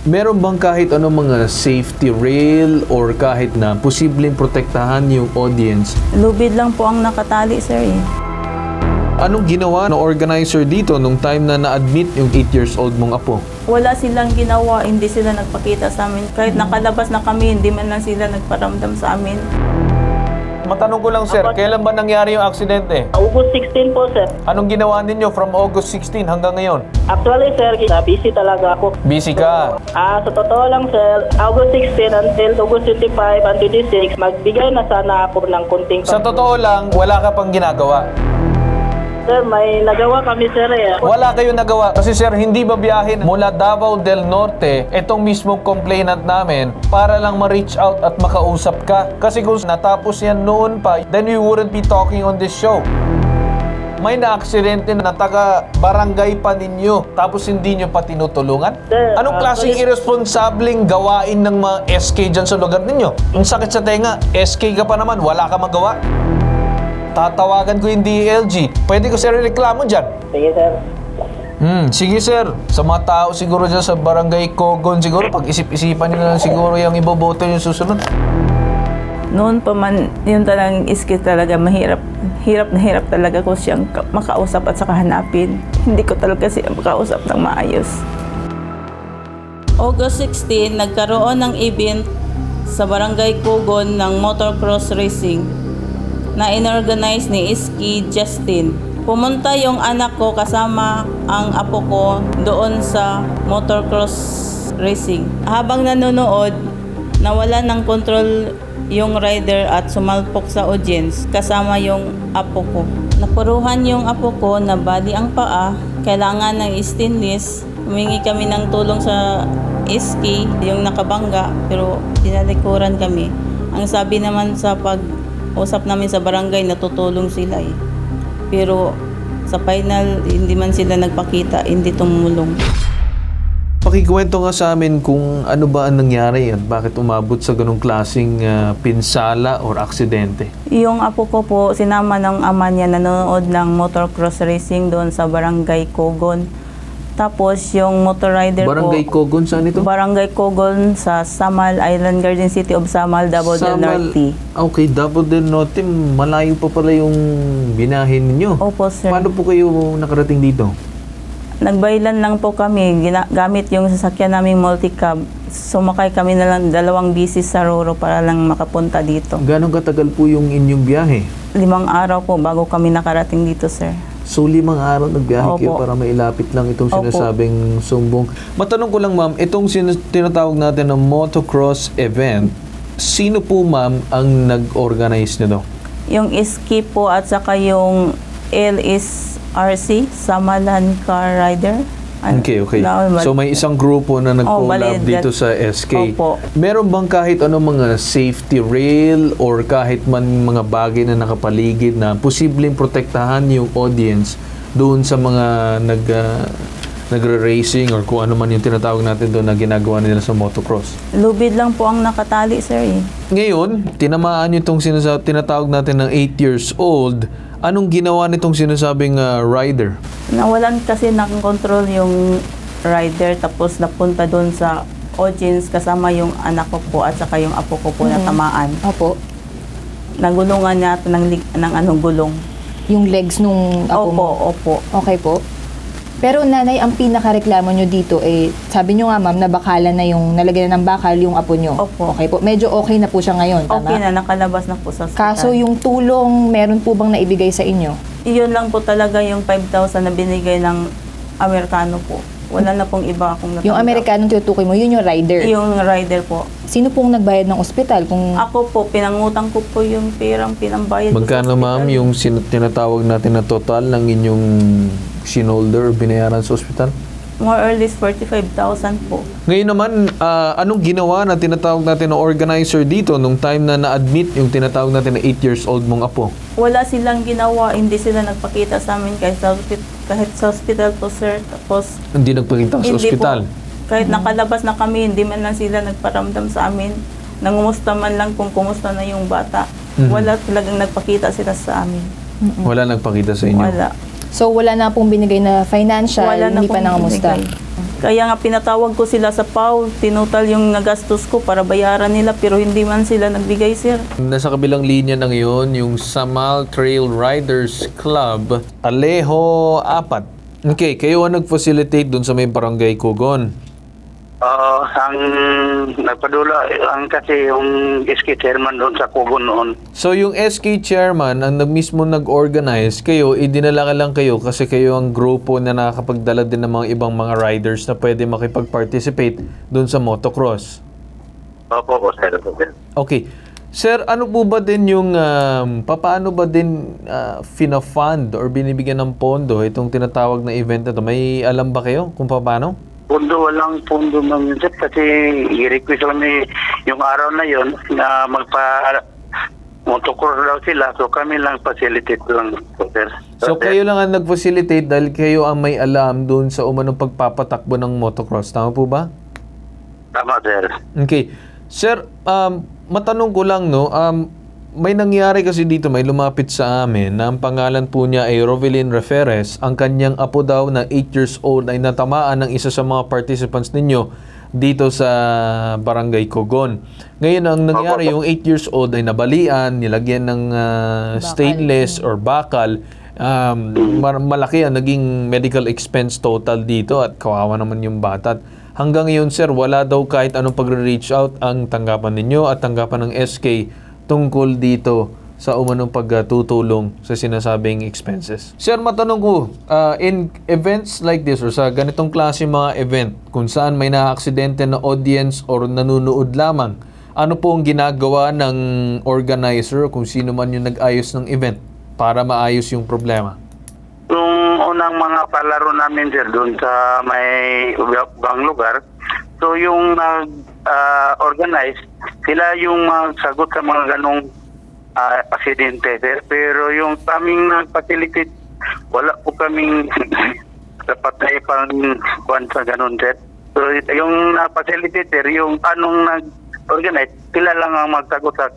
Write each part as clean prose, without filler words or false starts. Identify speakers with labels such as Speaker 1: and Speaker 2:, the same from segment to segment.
Speaker 1: Meron bang kahit anong mga safety rail or kahit na posibleng protektahan yung audience?
Speaker 2: Lubid lang po ang nakatali, sir.
Speaker 1: Anong ginawa ng organizer dito nung time na na-admit yung 8 years old mong apo?
Speaker 2: Wala silang ginawa, hindi sila nagpakita sa amin. Kahit nakalabas na kami, hindi man lang sila nagparamdam sa amin.
Speaker 1: Matanong ko lang, sir, kailan ba nangyari yung aksidente?
Speaker 3: August 16 po, sir.
Speaker 1: Anong ginawa ninyo from August 16 hanggang ngayon?
Speaker 3: Actually, sir, busy talaga ako.
Speaker 1: Busy ka.
Speaker 3: Sa totoo lang, sir, August 16 until August 25 and 26, magbigay na sana ako ng kunting...
Speaker 1: Sa totoo lang, wala ka pang ginagawa.
Speaker 3: Sir, may nagawa kami, sir.
Speaker 1: Wala kayong nagawa. Kasi sir, hindi ba biyahin mula Davao del Norte itong mismong complainant namin para lang ma-reach out at makausap ka? Kasi kung natapos yan noon pa, then we wouldn't be talking on this show. May na-aksidente na taga-barangay pa ninyo tapos hindi nyo pa tinutulungan?
Speaker 3: Sir,
Speaker 1: Anong klaseng irresponsableng gawain ng mga SK dyan sa lugar ninyo? Ang sakit sa tenga, SK ka pa naman, wala ka magawa? Tatawagan ko yung DLG. Pwede ko sir reklamo dyan.
Speaker 3: Sige, sir.
Speaker 1: Sige sir. Sa mga tao siguro dyan sa barangay Cogon siguro, pag-isip-isipan nyo na lang siguro yung iboboto yung susunod.
Speaker 2: Noon pa man, yun talagang iskit talaga, mahirap. Hirap na hirap talaga ko siyang makausap at saka hanapin. Hindi ko talaga siya makausap ng maayos. August 16, nagkaroon ng event sa barangay Cogon ng motocross racing na inorganize ni Iski Justin. Pumunta yung anak ko kasama ang apo ko doon sa motocross racing. Habang nanonood, nawala ng control yung rider at sumalpok sa audience kasama yung apo ko. Napuruhan yung apo ko na bali ang paa, kailangan ng stainless. Humingi kami ng tulong sa Iski, yung nakabangga, pero dinalikuran kami. Ang sabi naman sa pag-usap namin sa barangay, natutulong sila eh. Pero sa final, hindi man sila nagpakita, hindi tumulong.
Speaker 1: Pakikwento nga sa amin kung ano ba ang nangyari at bakit umabot sa ganong klaseng pinsala or aksidente.
Speaker 2: Yung apo ko po, sinama ng ama niya nanonood ng motocross racing doon sa barangay Cogon. Tapos yung motor rider
Speaker 1: Barangay
Speaker 2: ko,
Speaker 1: Cogon, saan ito?
Speaker 2: Barangay Cogon sa Samal, Island Garden City of Samal, Davao del Norte.
Speaker 1: Okay, Davao del Norte, malayo pa pala yung binahin ninyo.
Speaker 2: Opo, sir.
Speaker 1: Paano po kayo nakarating dito?
Speaker 2: Nagbaylan lang po kami, gamit yung sasakyan naming multicab. Sumakay kami na lang 2 bisis sa Roro para lang makapunta dito.
Speaker 1: Gano'ng katagal po yung inyong biyahe?
Speaker 2: 5 araw po bago kami nakarating dito, sir.
Speaker 1: So, 5 araw nagbiyahe kayo
Speaker 2: Opo.
Speaker 1: para mailapit lang itong
Speaker 2: Opo.
Speaker 1: sinasabing sumbong. Matanong ko lang ma'am, itong tinatawag natin na motocross event, sino po ma'am ang nag-organize nito?
Speaker 2: Yung Iski po at saka yung LSRC, Samalan Car Rider.
Speaker 1: Okay. So may isang grupo na nag-collab dito sa SK.
Speaker 2: Opo.
Speaker 1: Meron bang kahit anong mga safety rail or kahit man mga bagay na nakapaligid na posibleng protektahan yung audience doon sa mga nagre-racing or kung ano man yung tinatawag natin doon na ginagawa nila sa motocross?
Speaker 2: Lubid lang po ang nakatali, sir.
Speaker 1: Ngayon, tinamaan nyo itong tinatawag natin ng 8 years old. Anong ginawa nitong sinasabing rider?
Speaker 2: Nawalan kasi ng control yung rider tapos napunta doon sa audience kasama yung anak ko po at saka yung apo ko po na tamaan.
Speaker 4: Opo.
Speaker 2: Nagulungan niya ng anong gulong.
Speaker 4: Yung legs nung apo mo?
Speaker 2: Opo.
Speaker 4: Okay po. Pero nanay, ang pinakareklamo nyo dito, sabi nyo nga ma'am, na bakalan na yung, nalagyan na ng bakal yung apo nyo.
Speaker 2: Opo.
Speaker 4: Okay po. Medyo okay na po siya ngayon, tama?
Speaker 2: Okay na, nakalabas na po sa hospital.
Speaker 4: Kaso yung tulong, meron po bang naibigay sa inyo?
Speaker 2: Iyon lang po talaga yung 5,000 na binigay ng Amerikano po. Wala na pong iba akong natanggap.
Speaker 4: Yung Amerikanong tinutukoy mo, yun yung rider.
Speaker 2: Yung rider po.
Speaker 4: Sino pong nagbayad ng ospital? Kung
Speaker 2: Ako po, pinangutang ko po yung perang pinambayad ko sa
Speaker 1: Magkano
Speaker 2: hospital.
Speaker 1: ma'am yung tinatawag natin na total ng inyong sinolder o binayaran sa ospital?
Speaker 2: More or less 45,000 po.
Speaker 1: Ngayon naman, anong ginawa na tinatawag natin na organizer dito nung time na na-admit yung tinatawag natin na 8 years old mong apo?
Speaker 2: Wala silang ginawa, hindi sila nagpakita sa amin kahit sa hospital po, sir. Tapos,
Speaker 1: Hindi nagpakita sa
Speaker 2: hindi
Speaker 1: ospital?
Speaker 2: po. Kahit nakalabas na kami, hindi man lang sila nagparamdam sa amin. Nangumusta man lang kung kumusta na yung bata. Wala talagang nagpakita sila sa amin.
Speaker 1: Wala nagpakita sa inyo?
Speaker 2: Wala.
Speaker 4: so wala na pong binigay na financial,
Speaker 2: Wala na
Speaker 4: hindi pa
Speaker 2: pong
Speaker 4: nangamusta.
Speaker 2: binigay. Kaya nga pinatawag ko sila sa PAW, tinutal yung nagastos ko para bayaran nila pero hindi man sila nagbigay, sir.
Speaker 1: Nasa kabilang linya na ngayon, yung Samal Trail Riders Club, Alejo 4. Okay, kayo ang nag-facilitate dun sa may barangay Kugon.
Speaker 5: Ang nagpadula ang kasi yung SK chairman doon sa Kugon noon.
Speaker 1: So yung SK chairman ang mismo nag-organize, kayo, idinala ka lang kayo kasi kayo ang grupo na nakakapagdala din ng mga ibang mga riders na pwede makipag-participate dun sa motocross.
Speaker 5: Opo po, sir.
Speaker 1: Okay. Sir, ano po ba din yung, papaano ba din fina-fund or binibigyan ng pondo itong tinatawag na event na to? May alam ba kayo kung paano?
Speaker 5: Pundo, walang pundo ng sir kasi i-request kami yung araw na yon na motocross daw sila, so kami lang facilitate lang po, sir.
Speaker 1: So kayo lang ang nag-facilitate dahil kayo ang may alam doon sa umanong pagpapatakbo ng motocross. Tama po ba?
Speaker 5: Tama, sir.
Speaker 1: Okay. Sir, matanong ko lang, no, may nangyari kasi dito, may lumapit sa amin na ang pangalan po niya ay Rovelyn Referes. Ang kanyang apo daw na 8 years old ay natamaan ng isa sa mga participants ninyo dito sa Barangay Kugon. Ngayon, ang nangyari, yung 8 years old ay nabalian, nilagyan ng stainless or bakal. Malaki ang naging medical expense total dito at kawawa naman yung bata. Hanggang ngayon, sir, wala daw kahit anong pagre-reach out ang tanggapan ninyo at tanggapan ng SK tungkol dito sa umanong pagtutulong sa sinasabing expenses. Sir, matanong ko, in events like this or sa ganitong klase mga event, kung saan may na-aksidente na audience or nanunood lamang, ano po ang ginagawa ng organizer kung sino man yung nag-ayos ng event para maayos yung problema?
Speaker 5: Yung unang mga palaro namin, sir, doon sa may ibang lugar, so yung nag-organize, sila yung sagot sa mga ganong aksidente, sir. Pero yung kaming nag-facilitate, wala po kaming dapat na ipang-kuhan sa ganon, sir. So yung na-facilitate, sir, yung anong nag-organize, sila lang ang magsagot sa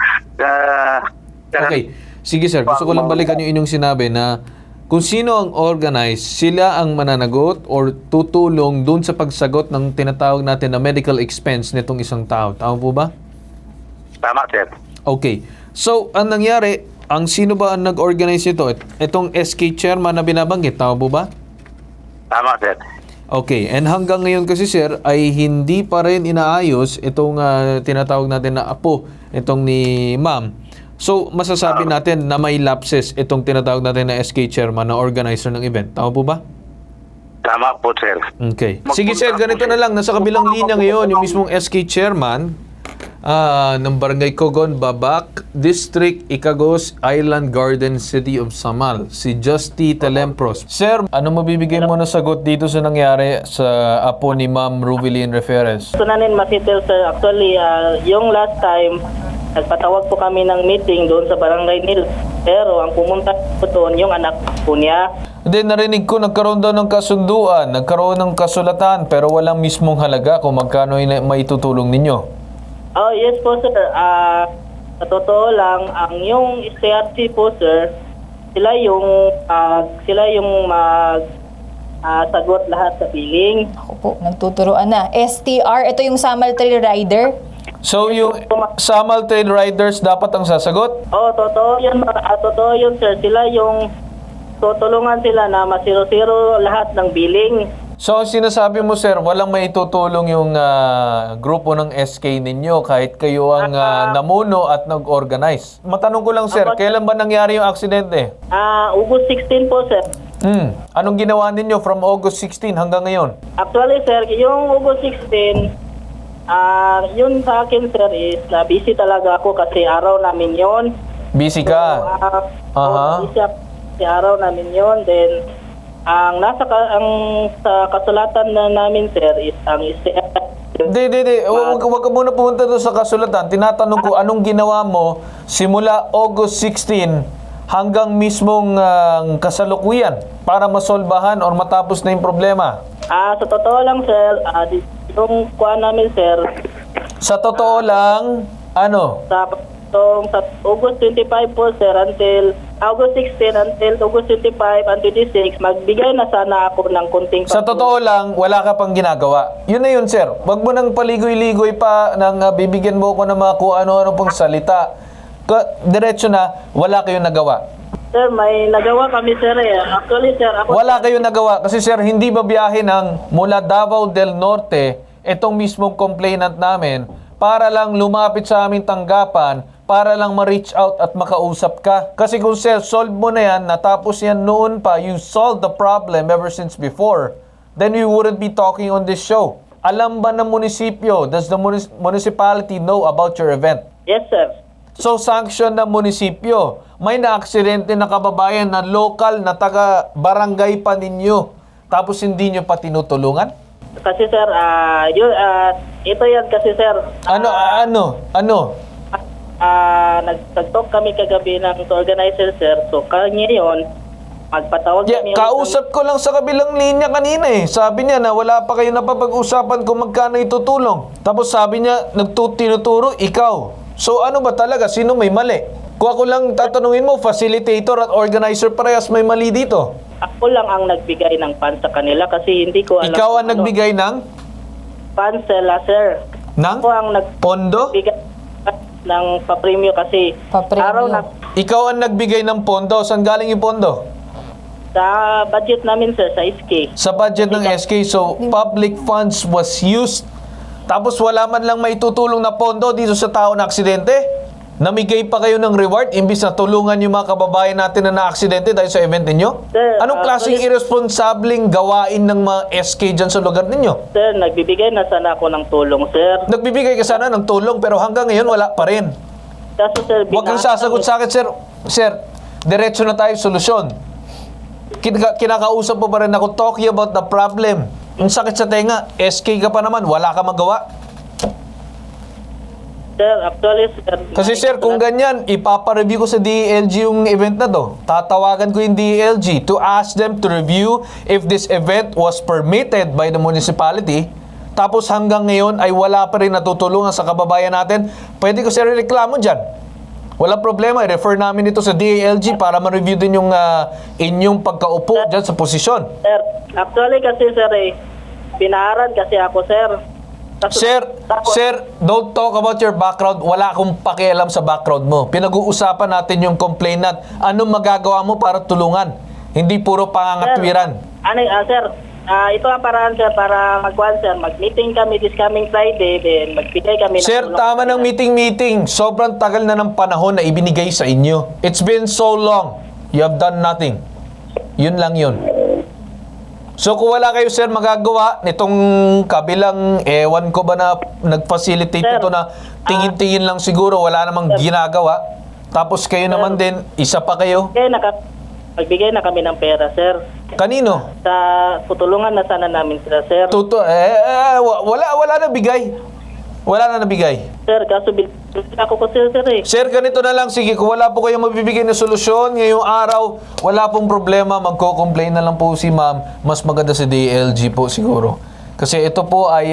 Speaker 1: Okay. Sige, sir. Gusto ko lang balikan yung inyong sinabi na kung sino ang organize, sila ang mananagot or tutulong dun sa pagsagot ng tinatawag natin na medical expense nitong isang tao. Tama po ba?
Speaker 5: Tama, sir.
Speaker 1: Okay. So, ang nangyari, ang sino ba ang nag-organize nito? Itong SK chairman na binabanggit. Tama po ba?
Speaker 5: Tama, sir.
Speaker 1: Okay. And hanggang ngayon kasi, sir, ay hindi pa rin inaayos itong tinatawag natin na apo, itong ni ma'am. So, masasabi natin na may lapses itong tinatawag natin na SK chairman na organizer ng event. Tama po ba?
Speaker 5: Tama po, sir.
Speaker 1: Okay. Sige, sir, ganito na lang. Nasa kabilang linya ngayon, yung mismong SK chairman ng Barangay Kugon, Babak, District, Icagos, Island Garden, City of Samal, si Justy Telempros. Sir, ano mabibigay mo na sagot dito sa nangyari sa apo ni Ma'am Rovelyn Referes?
Speaker 3: Gusto namin masitel, sir. Actually, yung last time, nagpatawag po kami ng meeting doon sa barangay nila. Pero ang pumunta po doon, yung anak po niya.
Speaker 1: Hindi, narinig ko nagkaroon daw ng kasunduan, nagkaroon ng kasulatan, pero walang mismong halaga kung magkano maitutulong ninyo.
Speaker 3: Oh, yes po, sir. Sa totoo lang, ang yung STRC po, sir, sila yung sagot lahat sa billing.
Speaker 4: Ako po, nagtuturoan na. STR, ito yung Samal Trail Rider.
Speaker 1: So, yung Samal Trail Riders dapat ang sasagot?
Speaker 3: Oh, totoo yun, totoo yun, sir. Sila yung tutulungan sila na masiro-siro lahat ng billing.
Speaker 1: So, ang sinasabi mo, sir, walang maitutulong yung grupo ng SK ninyo kahit kayo ang namuno at nag-organize. Matanong ko lang, sir, kailan ba nangyari yung aksidente?
Speaker 3: August 16 po, sir.
Speaker 1: Anong ginawa ninyo from August 16 hanggang ngayon?
Speaker 3: Actually, sir, yung August 16, yun sa akin, sir, is na busy talaga ako kasi araw namin yun.
Speaker 1: Busy ka?
Speaker 3: Busy kasi araw namin yun. Then, ang sa kasulatan na namin, sir, is ang
Speaker 1: Hindi. Huwag ka muna pumunta doon sa kasulatan. Tinatanong ko, anong ginawa mo simula August 16 hanggang mismong kasalukuyan para masolbahan or matapos na yung problema?
Speaker 3: Sa totoo lang, sir, yung kuha namin, sir.
Speaker 1: Sa totoo lang, ano?
Speaker 3: So, sa August 25 po, sir, until August 16 until August 25 and 26, magbigay na sana ako ng kunting
Speaker 1: Sa totoo lang, wala ka pang ginagawa. Yun na yun, sir. Wag mo nang paligoy-ligoy pa nang bibigyan mo ko ng mga kung ano-ano pang salita. Diretso na, wala kayong nagawa.
Speaker 3: Sir, may nagawa kami, sir. Actually, sir, ako...
Speaker 1: Wala kayong nagawa. Kasi sir, hindi babiyahe ng mula Davao del Norte itong mismong complainant namin para lang lumapit sa aming tanggapan, para lang ma-reach out at makausap ka. Kasi kung sir, solve mo na yan, natapos yan noon pa, you solved the problem ever since before, then we wouldn't be talking on this show. Alam ba ng munisipyo, does the municipality know about your event?
Speaker 3: Yes, sir.
Speaker 1: So, sanction ng munisipyo. May na-aksidente na kababayan na local na taga-barangay pa ninyo. Tapos hindi nyo pa tinutulungan?
Speaker 3: Kasi, sir, ito yan kasi, sir.
Speaker 1: Ano?
Speaker 3: Nag-talk kami kagabi ng organizer, sir. So, kanya yun, magpatawag
Speaker 1: Yeah,
Speaker 3: kami.
Speaker 1: kausap ko lang sa kabilang linya kanina eh. Sabi niya na wala pa kayo napapag-usapan kung magkano itutulong. Tapos sabi niya, tinuturo, ikaw. So ano ba talaga? Sino may mali? Kung ako lang tatanungin mo, facilitator at organizer parehas may mali dito.
Speaker 3: Ako lang ang nagbigay ng funds sa kanila kasi hindi ko alam.
Speaker 1: Ikaw ang
Speaker 3: kung ano.
Speaker 1: nagbigay ng?
Speaker 3: Funds sila, sir.
Speaker 1: Ng?
Speaker 3: Ako ang
Speaker 1: Pondo?
Speaker 3: nagbigay ng papremyo kasi
Speaker 4: Papremyo.
Speaker 3: araw na
Speaker 1: Ikaw ang nagbigay ng pondo. Saan galing yung pondo?
Speaker 3: sa budget namin, sir, sa SK.
Speaker 1: Sa budget ng SK. So, public funds was used. Tapos wala man lang maitutulong na pondo dito sa tao na aksidente. Namigay pa kayo ng reward imbis na tulungan yung mga kababayan natin na na-aksidente dahil sa event ninyo?
Speaker 3: Sir,
Speaker 1: Anong klaseng irresponsableng gawain ng mga SK dyan sa lugar ninyo?
Speaker 3: Sir, nagbibigay na sana ako ng tulong, sir.
Speaker 1: Nagbibigay ka sana ng tulong pero hanggang ngayon wala pa rin.
Speaker 3: Kaso, sir,
Speaker 1: Huwag kang sasagot sa akin, sir. Sir, diretso na tayo solusyon. Kinakausap mo pa rin ako talking about the problem. Ang sakit sa tenga, SK ka pa naman, wala ka magawa.
Speaker 3: Sir, actually, sir.
Speaker 1: Kasi sir, kung ganyan, ipapareview ko sa DELG yung event na to. Tatawagan ko yung DELG to ask them to review if this event was permitted by the municipality. Tapos hanggang ngayon ay wala pa rin natutulungan sa kababayan natin. Pwede ko sir reklamo dyan. Wala problema, i-refer namin ito sa DELG para ma-review din yung inyong pagkaupo dyan sa posisyon.
Speaker 3: Sir, actually kasi, sir, pinaharan kasi ako, sir.
Speaker 1: Sir, don't talk about your background. Wala akong pakialam sa background mo. Pinag-uusapan natin yung complainant. Anong magagawa mo para tulungan? Hindi puro pangangatwiran.
Speaker 3: Sir, ito ang paraan, sir, para mag-meeting kami this coming Friday, then magbigay kami ng
Speaker 1: Sir,
Speaker 3: tulong.
Speaker 1: tama ng meeting. Sobrang tagal na ng panahon na ibinigay sa inyo. It's been so long. You have done nothing. Yun lang yun. So kung wala kayo sir magagawa nitong kabilang ewan ko ba na nag-facilitate
Speaker 3: Sir,
Speaker 1: ito na tingin-tingin lang siguro wala namang ginagawa. Tapos kayo naman din, isa pa kayo.
Speaker 3: Magbigay na kami ng pera, sir.
Speaker 1: Kanino?
Speaker 3: Sa tutulungan na sana namin sila, sir.
Speaker 1: Wala na bigay. Wala na nabigay.
Speaker 3: Sir, kaso ako ko, sir,
Speaker 1: Sir, ganito na lang. Sige, kung wala po kayong mabibigay na solusyon ngayong araw, wala pong problema. Magko-complain na lang po si ma'am. Mas maganda si DLG po siguro. Kasi ito po ay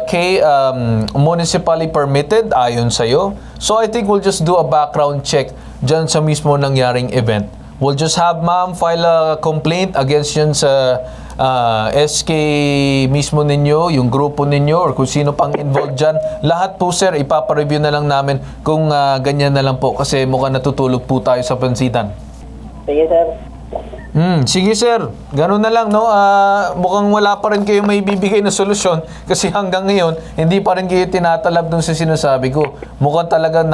Speaker 1: municipally permitted ayon sa'yo. So I think we'll just do a background check dyan sa mismo nangyaring event. We'll just have ma'am file a complaint against yun sa SK mismo ninyo, yung grupo ninyo, or kung sino pang involved dyan. Lahat po sir, ipapareview na lang namin kung ganyan na lang po kasi mukhang natutulog po tayo sa pansitan.
Speaker 3: Sige, sir.
Speaker 1: Sige sir, ganun na lang no. Mukhang wala pa rin kayo may bibigay na solusyon kasi hanggang ngayon hindi pa rin kayo tinatalab dun sa sinasabi ko. Mukhang talaga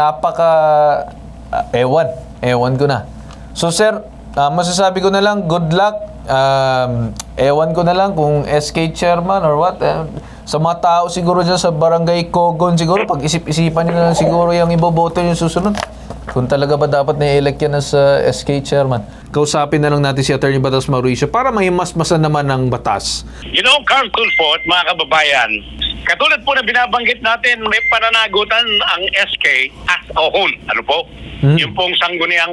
Speaker 1: ewan ko na. So sir, masasabi ko na lang, good luck. Ewan ko na lang kung SK chairman or what. Sa mga tao siguro dyan sa barangay Kogon siguro, pag-isip-isipan nyo na lang siguro yung iboboto yung susunod. Kung talaga ba dapat na-elect yan as SK chairman. Kausapin na lang natin si Attorney Batas Mauricio para may masmasan naman ng batas.
Speaker 6: You know, Carl Tulfo at mga kababayan, katulad po na binabanggit natin, may pananagutan ang SK as a whole. Ano po? Yung pong sangguniang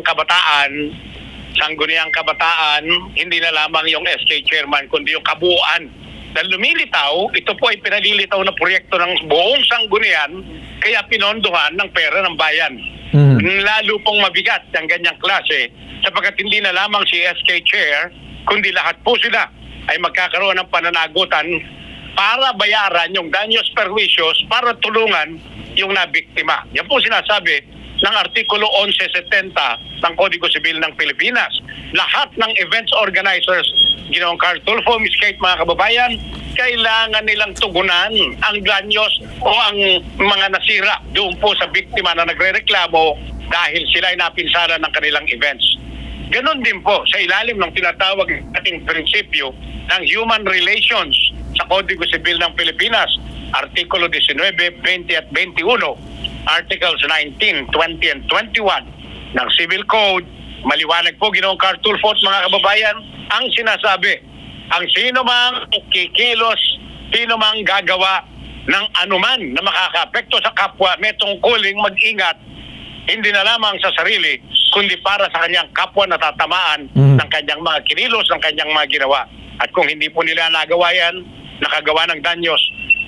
Speaker 6: kabataan, hindi na lamang yung SK chairman, kundi yung kabuuan. Dahil lumilitaw, ito po ay pinalilitaw na proyekto ng buong sanggunian, kaya pinondohan ng pera ng bayan. lalo pong mabigat ang ganyang klase sapagkat hindi na lamang si SK Chair, kundi lahat po sila ay magkakaroon ng pananagutan para bayaran yung daños perjuicios para tulungan yung nabiktima. Yan po sinasabi ng Artikulo 1170 ng Kodigo Sibil ng Pilipinas. Lahat ng events organizers, Ginoong Carl Tulfo, Miss Kate, mga kababayan, kailangan nilang tugunan ang daños o ang mga nasira doon po sa biktima na nagrereklamo dahil sila ay napinsala ng kanilang events. Ganon din po sa ilalim ng tinatawag ating prinsipyo ng human relations sa Kodigo Sibil ng Pilipinas, Artikulo 19, 20 at 21, Articles 19, 20 and 21 ng Civil Code. Maliwanag po, Ginoong Carl Tulfo at mga kababayan, ang sinasabi, ang sino mang kikilos, sino mang gagawa ng anuman na makakaapekto sa kapwa, may tungkuling mag-ingat, hindi na lamang sa sarili, kundi para sa kanyang kapwa na tatamaan ng kanyang mga kinilos, ng kanyang mga ginawa. At kung hindi po nila nagawa yan, nakagawa ng danyos,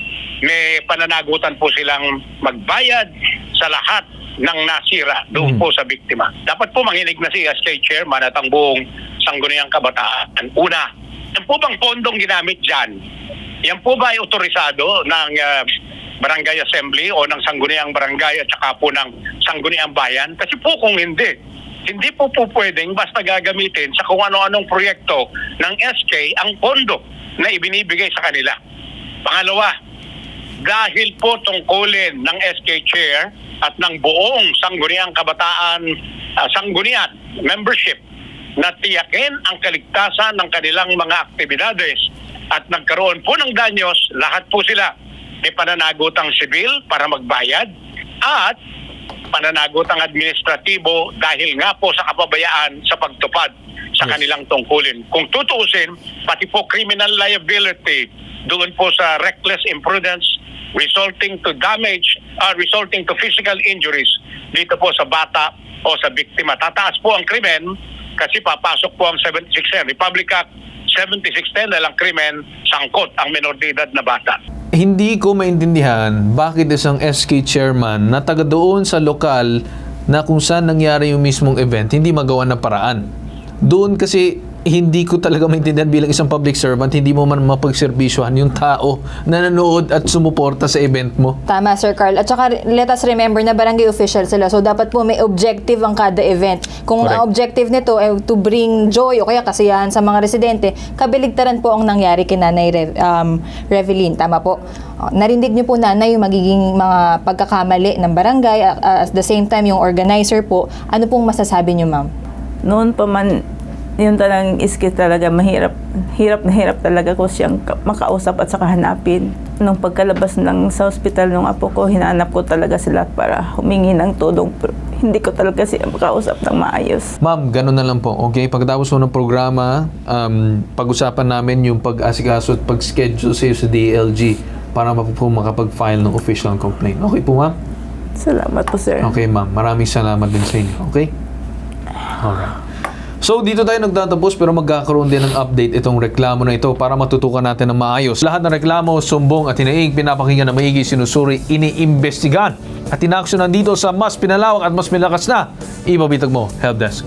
Speaker 6: may pananagutan po silang magbayad sa lahat ng nasira doon po sa biktima. Dapat po manginig na si SK Chairman at ang buong Sangguniang Kabataan. Una, yan po bang pondong ginamit dyan? Yan po ba ay otorisado ng Barangay Assembly o ng Sangguniang Barangay at saka po ng Sangguniang Bayan? Kasi po kung hindi po pwedeng basta gagamitin sa kung ano-anong proyekto ng SK ang pondo na ibinibigay sa kanila. Pangalawa, dahil po tungkulin ng SK Chair at ng buong Sangguniang Kabataan, Sanggunian membership na tiyakin ang kaligtasan ng kanilang mga aktibidades at nagkaroon po ng danyos, lahat po sila may pananagutang sibil para magbayad at pananagutang administratibo dahil nga po sa kapabayaan sa pagtupad sa kanilang tungkulin. Kung tutuusin, pati po criminal liability doon po sa reckless imprudence resulting to damage, resulting to physical injuries dito po sa bata o sa biktima. Tataas po ang krimen kasi papasok po ang 7610, Republic Act 7610 dahil ang krimen sangkot ang menor de edad na bata.
Speaker 1: Hindi ko maintindihan bakit isang SK chairman na taga doon sa lokal na kung saan nangyari yung mismong event, hindi magawa ng paraan. Doon kasi hindi ko talaga maintindihan bilang isang public servant, hindi mo man mapagservisyohan yung tao na nanood at sumuporta sa event mo.
Speaker 4: Tama, Sir Carl. At saka, let us remember na barangay official sila. So, dapat po may objective ang kada event. Kung ang objective nito ay to bring joy o kaya kasiyahan sa mga residente, kabaligtaran po ang nangyari kay Nanay Revelyn. Tama po. Narinig niyo po, Nanay, yung magiging mga pagkakamali ng barangay. At the same time, yung organizer po. Ano pong masasabi niyo, ma'am?
Speaker 2: Noon pa man, yun talagang iski talaga mahirap. Hirap na hirap talaga ko siyang makausap at saka hanapin. Nung pagkalabas ng sa ospital ng apo ko, hinanap ko talaga sila para humingi ng tulong. Pero hindi ko talaga siya makausap ng maayos.
Speaker 1: Ma'am, ganun na lang po. Okay? Pagkatapos po ng programa, pag-usapan namin yung pag-asikaso at pag-schedule sa iyo sa DLG para po makapag-file ng official complaint. Okay po, ma'am?
Speaker 2: Salamat po, sir.
Speaker 1: Okay, ma'am. Maraming salamat din sa inyo. Okay? Alright. So, dito tayo nagtatapos pero magkakaroon din ng update itong reklamo na ito para matutukan natin ng maayos. Lahat ng reklamo, sumbong at hinaing, pinapakinggan na maigi, sinusuri, iniimbestigan at inaksyonan dito sa mas pinalawak at mas malakas na Ibabitag Mo Helpdesk.